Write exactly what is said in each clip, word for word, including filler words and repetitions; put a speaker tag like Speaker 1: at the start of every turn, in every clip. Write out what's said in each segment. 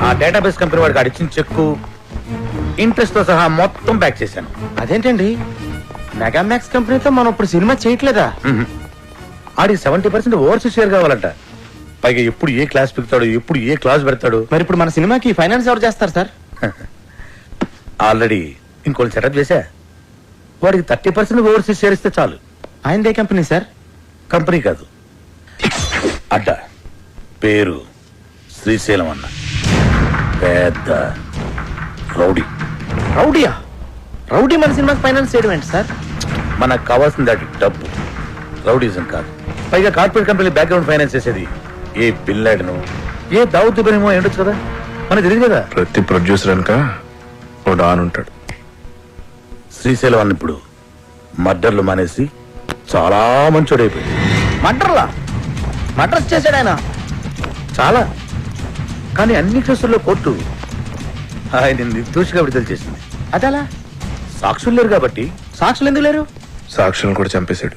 Speaker 1: Database company వాడికి అడిచిన చెక్కు interest తో సహా మొత్తం బ్యాక్ చేశాను.
Speaker 2: అదేంటండి, మెగామాక్స్ కంపెనీతో మనం ఇప్పుడు సినిమా చేయట్లేదా?
Speaker 1: ఆడికి సెవెంటీ పర్సెంట్ ఓవర్సీస్ షేర్ కావాలంట. పైగా ఎప్పుడు ఏ క్లాస్ పెడతాడు, ఎప్పుడు ఏ క్లాస్ పెడతాడు.
Speaker 2: మరి ఇప్పుడు మన సినిమాకి ఫైనాన్స్ ఎవరు చేస్తారు సార్?
Speaker 1: ఆల్రెడీ ఇంకోటి సెటప్ చేశా. వాడికి థర్టీ పర్సెంట్ ఓవర్సీస్ షేర్ ఇస్తే చాలు.
Speaker 2: ఆయనదే కంపెనీ సార్?
Speaker 1: కంపెనీ కాదు, అడ్డ. పేరు శ్రీశైలం అన్న. పెద్ద రౌడీ.
Speaker 2: రౌడీయా? రౌడీ మన సినిమాకి ఫైనాన్స్ చేయడం ఏంటి సార్?
Speaker 1: మనకు కావాల్సింది అది డబ్బు, రౌడీజం కాదు. పైగా కార్పొరేట్ కంపెనీ బ్యాక్గ్రౌండ్ ఫైనాన్స్ చేసేది ఏ బిల్లాడను, ఏ దావుద్ ఇబ్రహీమో ఉండొచ్చు కదా, మనకు తెలియదు కదా.
Speaker 3: ప్రతి ప్రొడ్యూసర్ అనక ఓ డాన్ ఉంటాడు.
Speaker 1: శ్రీశైలం అన్న ఇప్పుడు మర్డర్లు మానేసి చాలా మంచోడైపోయింది.
Speaker 2: మర్డర్లా? మర్డర్స్ చేశాడు ఆయన?
Speaker 1: చాలా. కానీ అన్ని కేసుల్లో కోర్టు ఆయన నిర్దోషిగా విడుదల చేసింది.
Speaker 2: అదలా?
Speaker 1: సాక్షులు లేరు కాబట్టి.
Speaker 2: సాక్షులు ఎందుకు లేరు?
Speaker 3: సాక్షులను కూడా చంపేశాడు.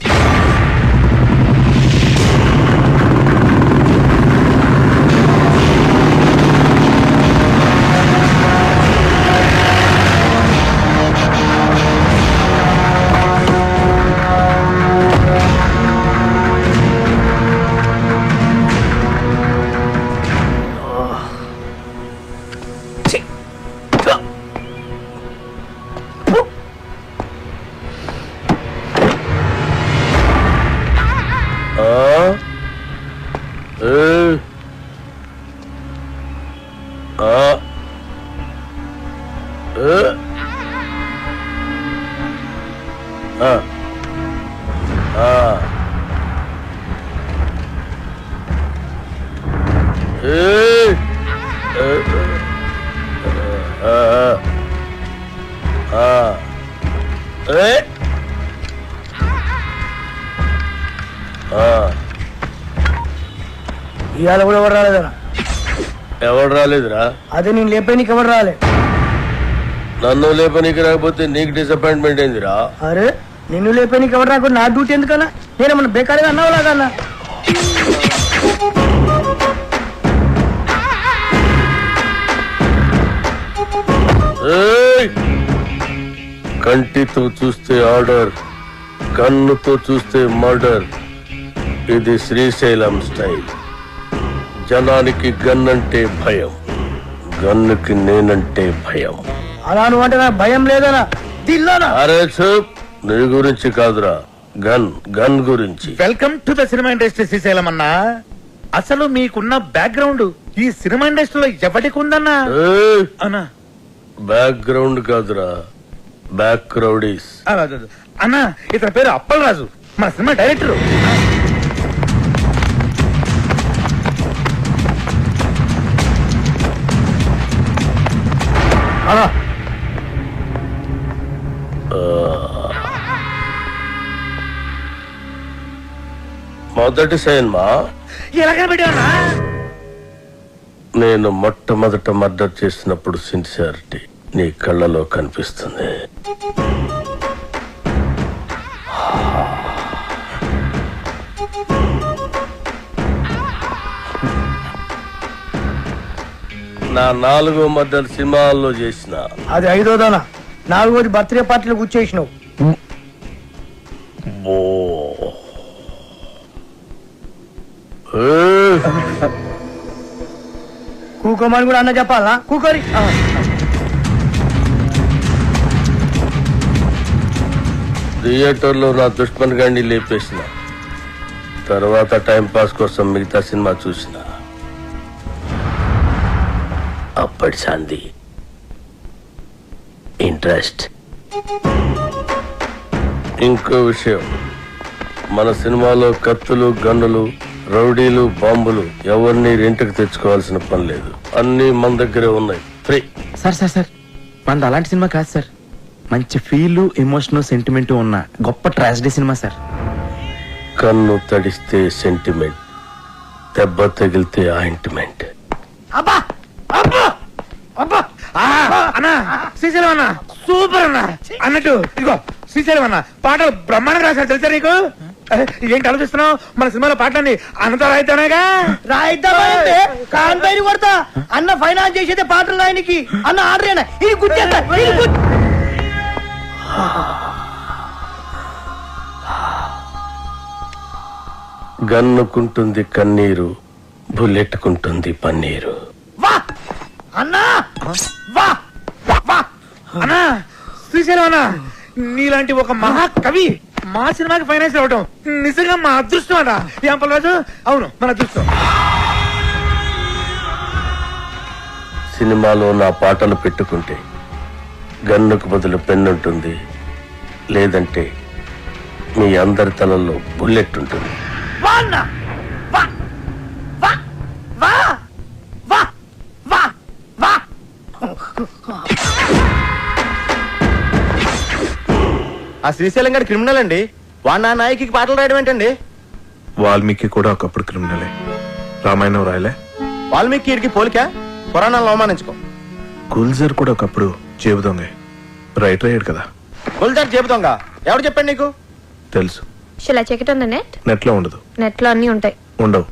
Speaker 4: ఇవాళ కూడా ఎవరు రాలేదరా?
Speaker 1: ఎవరు రాలేదురా?
Speaker 4: అదే నేను లేపే నీకు ఎవరు రాలే.
Speaker 1: నన్ను లేపనీకి రాకపోతే నీకు డిసప్పాయింట్మెంట్ ఏందిరా?
Speaker 4: అరే నిన్ను లేపే నీకు ఎవరు రాకుండా నా డ్యూటీ ఎందుకన్నా? నేనేమన్నా బేకారీగా అన్నావు లాగన్నా?
Speaker 1: కంటితో చూస్తే ఆర్డర్, కన్నుతో చూస్తే మర్డర్. ఇది శ్రీశైలం స్టైల్. జనానికి గన్ అంటే భయం, గన్నుకి నేనంటే భయం.
Speaker 4: అలా నువ్వు అంటే నాకు భయం లేదనా? దిల్లానా?
Speaker 1: అరే చూప్, నీ గురించి కాదురా, గన్ గన్ గురించి. Welcome to the cinema industry Srisailam అన్నా. అసలు మీకున్న బ్యాక్గ్రౌండ్ ఈ సినిమా ఇండస్ట్రీలో ఎవరికి ఉందన్నా? అన్నా బ్యాక్గ్రౌండ్ కాదురా, బ్యాక్ రౌడీస్. అన్నా ఇతని పేరు అప్పల్ రాజు, మన సినిమా డైరెక్టర్. మొదటి సినిమా ఎలాగ పెట్టావన్నా? నేను మొట్టమొదట మర్డర్ చేసినప్పుడు సిన్సియారిటీ నీ కళ్ళలో కనిపిస్తుంది. నా నాలుగో మర్డర్ సినిమాల్లో చేసిన.
Speaker 4: అది ఐదోదానా? నాలుగోది బర్త్డే పార్టీలో కూర్చేసినావు. కూకోమని కూడా అన్న చెప్పాలా? కూకోరి.
Speaker 1: థియేటర్ లో నా దుష్మన్ గాండి లేపేసిన తర్వాత టైం పాస్ కోసం మిగతా సినిమా చూసిన. అప్పటి శాంతి ఇంట్రెస్ట్. ఇంకో విషయం, మన సినిమాలో కత్తులు, గన్నులు, రౌడీలు, బాంబులు ఎవరిని రెంట్కి తెచ్చుకోవాల్సిన పని లేదు. అన్ని మన దగ్గరే ఉన్నాయి, ఫ్రీ.
Speaker 2: సార్ సార్ సార్ మనది అలాంటి సినిమా కాదు సార్. మంచి ఫీల్, ఎమోషన్, సెంటిమెంట్ ఉన్న గొప్ప ట్రాజడీ సినిమా సార్.
Speaker 1: కన్ను తడిస్తే సెంటిమెంట్, దెబ్బ తగిలితే ఆయింట్మెంట్.
Speaker 4: అబ్బా అబ్బా అబ్బా
Speaker 1: అన్నా శ్రీశైలం అన్న సూపర్ అన్న. అన్నట్టు ఇదిగో శ్రీశైలం అన్న పాటలు బ్రహ్మాండంగా రాశారు తెలుసా నీకు? ఏంటి ఆలోచిస్తున్నావు? మన సినిమాలో పాటలన్నీ అనంత రాయితేనేగా.
Speaker 4: రాయిద్దామంటే కాన్ పైన కొడతా. అన్న ఫైనాన్స్ చేసేదే పాటలు ఆయనకి. అన్న ఆర్డర్ అయినా ఇది గుర్తేస్తా.
Speaker 1: గన్నుకుంటుంది కన్నీరు, బుల్లెట్టుకుంటుంది పన్నీరు.
Speaker 4: వా అన్నా వా వా
Speaker 1: అన్నా శ్రీశైలం అన్నా, నీలాంటి ఒక మహాకవి మా సినిమాకి ఫైనాన్స్ అవ్వటం నిజంగా మా అదృష్టం అన్నా. ఏం పర్వాలేదు, అవును మన అదృష్టం. సినిమాలో నా పాటలు పెట్టుకుంటే గన్నుకు బదులు పెన్నుంటుంది, లేదంటే మీ అందరి తలల్లో బుల్లెట్ ఉంటుంది.
Speaker 4: వా అన్నా వా వా వా వా వా వా
Speaker 2: ఆ శ్రీశైలం గారి క్రిమినల్ అండి. వాడు నా నాయకి పాటలు రాయడం ఏంటండి?
Speaker 3: వాల్మీకి కూడా ఒకప్పుడు క్రిమినలే. రామాయణం రాయలే.
Speaker 2: వాల్మీకి వీడికి పోలిక, పురాణాలను అవమానించుకో.
Speaker 3: గుల్జర్ కూడా ఒకప్పుడు జేబు దొంగే. రైటర్ అయ్యాడు కదా.
Speaker 2: గుల్జార్ చెబుతాంగా, ఎవరు చెప్పండి నీకు?
Speaker 3: తెలుసు.
Speaker 5: Shall I check it on the net?
Speaker 3: నెట్లో ఉండదు.
Speaker 5: నెట్ లో అన్ని ఉంటాయి.
Speaker 3: ఉండవు.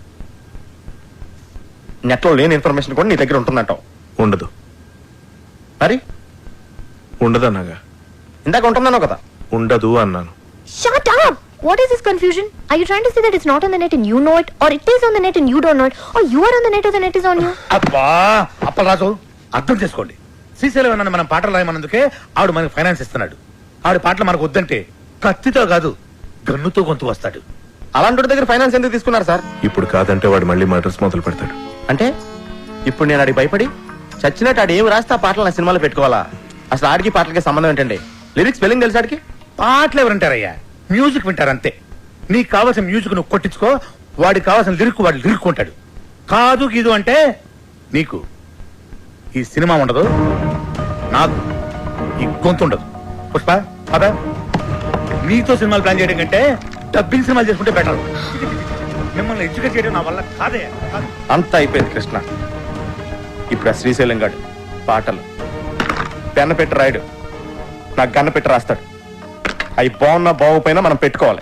Speaker 2: నెట్ లో లేని ఇన్ఫర్మేషన్ కూడా నీ దగ్గర ఉంటుందంటావు.
Speaker 3: ఉండదు.
Speaker 2: మరి
Speaker 3: ఉండదన్నాగా.
Speaker 2: ఇందాక ఉంటుందన్నావు కదా.
Speaker 3: ఉండదు అన్నాను.
Speaker 5: Shut up! What is this confusion? Are you trying to say that it's not on the net and you know it, or it is on the net and you don't know it, or you are on the net or the net is on you?
Speaker 1: అబ్బా అప్పలరాజు, అర్థం చేసుకోండి. శ్రీశైలం అన్న మనం పాటలు రాయమన్నందుకే ఆవిడ మనకి finance ఇస్తున్నాడు. ఆవిడ పాటలు మనకు వద్దంటే కత్తితో కాదు గన్నుతో గొంతు వస్తాడు.
Speaker 2: అలాంటి దగ్గర ఫైనాన్స్ ఎందుకు తీసుకున్నారు సార్?
Speaker 3: ఇప్పుడు కాదంటే వాడు మళ్ళీ మర్డర్స్ మొదలు పెడతాడు.
Speaker 2: అంటే ఇప్పుడు నేను ఆడికి భయపడి చచ్చినట్టు ఆడు ఏమి రాస్తే ఆ పాటలు నా సినిమాలో పెట్టుకోవాలా? అసలు ఆడికి పాటలకి సంబంధం ఏంటండి? లిరిక్స్ స్పెల్లింగ్ తెలుసు ఆడికి?
Speaker 1: పాటలు ఎవరంటారయ్యా, మ్యూజిక్ వింటారంతే. నీకు కావాల్సిన మ్యూజిక్ నువ్వు కొట్టించుకో, వాడికి కావాల్సిన లిరిక్ వాడు లిరుక్కుంటాడు. కాదు గీదు అంటే నీకు ఈ సినిమా ఉండదు, నాకు ఈ గొంతు ఉండదు. పుష్ప అదా, నీతో సినిమాలు ప్లాన్ చేయడం కంటే డబ్బింగ్ సినిమాలు చేసుకుంటే బెటర్. మిమ్మల్ని ఎడ్యుకేట్ చేయడం నా వల్ల కాదే.
Speaker 2: అంతా అయిపోయింది కృష్ణ. ఇప్పుడు ఆ శ్రీశైలం గాడు పాటలు పెన్న పెట్టి రాయడు, నాకు గన్న పెట్టి రాస్తాడు. అవి బాగున్నా బాగుపోయినా మనం పెట్టుకోవాలి.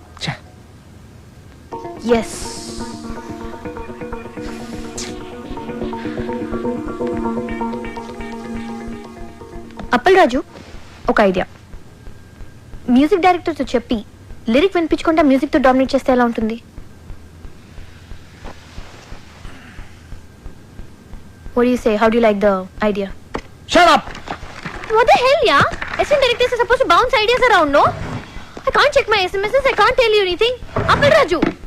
Speaker 5: Yes. అప్పలరాజు, ఒక ఐడియా. మ్యూజిక్ డైరెక్టర్ తో చెప్పి లిరిక్ వినిపించకుండా మ్యూజిక్ తో డామినేట్ చేస్తే ఎలా ఉంటుంది? What do you say? How do you like the idea?
Speaker 2: Shut up!
Speaker 5: What the hell, yeah? Assistant directors are supposed to bounce ideas around, no? I can't check my S M Ses. I can't tell you anything. Appal Raju.